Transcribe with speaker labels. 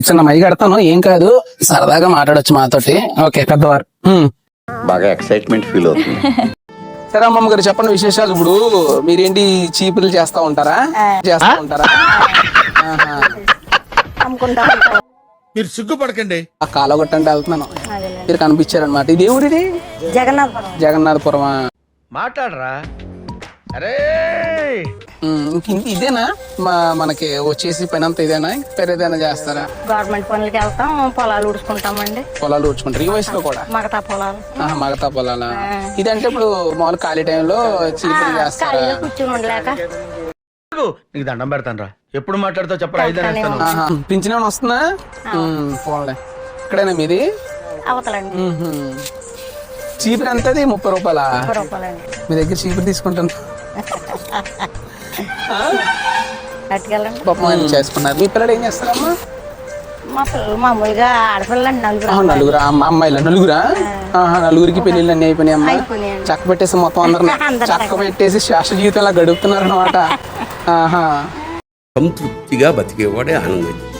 Speaker 1: చిన్న మై కడతాను, ఏం కాదు, సరదాగా మాట్లాడొచ్చు మాతోటి. ఓకే పెద్దవారు.
Speaker 2: బాగా ఎక్సైట్మెంట్ ఫీల్ అవుతుంది.
Speaker 1: సరే అమ్మమ్మ గారు చెప్పండి విశేషాలు. ఇప్పుడు మీరేంటి చీపులు చేస్తా ఉంటారా? ఆహా.
Speaker 3: మీరు సిగ్గుపడకండి.
Speaker 1: ఆ కాలగొట్టంటే వెళ్తున్నాను, మీరు కనిపించారనమాట. ఇది ఎవరిది? జగన్నాథపురమా?
Speaker 3: మాట్లాడరా. అరే
Speaker 1: ఇదేనా మనకి వచ్చేసి పని అంతా ఇదేనా? పెరేదైనా చేస్తారా?
Speaker 4: గవర్నమెంట్ పనులకి వెళ్తాం, పొలాలు ఊడ్చుకుంటామండి.
Speaker 1: పొలాలు ఊడ్చుకుంటారు ఈ వయసులో కూడా?
Speaker 4: మగతా పొలాలు.
Speaker 1: మగతా పొలాలా? ఇదంటే ఇప్పుడు మామూలు ఖాళీ టైంలో చీపులు చేస్తారా?
Speaker 4: ఖాళీగా కూర్చుని ఉండలేక.
Speaker 3: నీకు దండం పెడతాను రా. ఎప్పుడు మాట్లాడతావు చెప్పరా. 5 అనేస్తాను.
Speaker 1: పింఛన్ ఏమైనా వస్తుందా? పోలే. ఇక్కడేనా మీది?
Speaker 4: అవతలండి.
Speaker 1: చీపురు ఎంతది? 30 రూపాయలా?
Speaker 4: 30 రూపాయలండి.
Speaker 1: మీ దగ్గర చీపురు తీసుకుంటాను.
Speaker 4: అట్టుకెళ్ళండి.
Speaker 1: పాపం ఆయన చేసుకున్నారు. మీ పిల్లలు ఏం చేస్తారమ్మా?
Speaker 4: మా పిల్లలు మామూలుగా ఆడపిల్లండి, నలుగురు.
Speaker 1: నలుగురా? అమ్మాయిలా? నలుగురికి పెళ్లిళ్ళు అన్ని అయిపోయినాయి అమ్మా.
Speaker 4: అయిపోయినాయండి.
Speaker 1: చక్క పెట్టేసి మొత్తం అందరం చక్క పెట్టేసి శాశ్వత జీవితంలా గడుపుతున్నారు అనమాట.
Speaker 5: సంతృప్తిగా బతికేవాడే ఆనందం.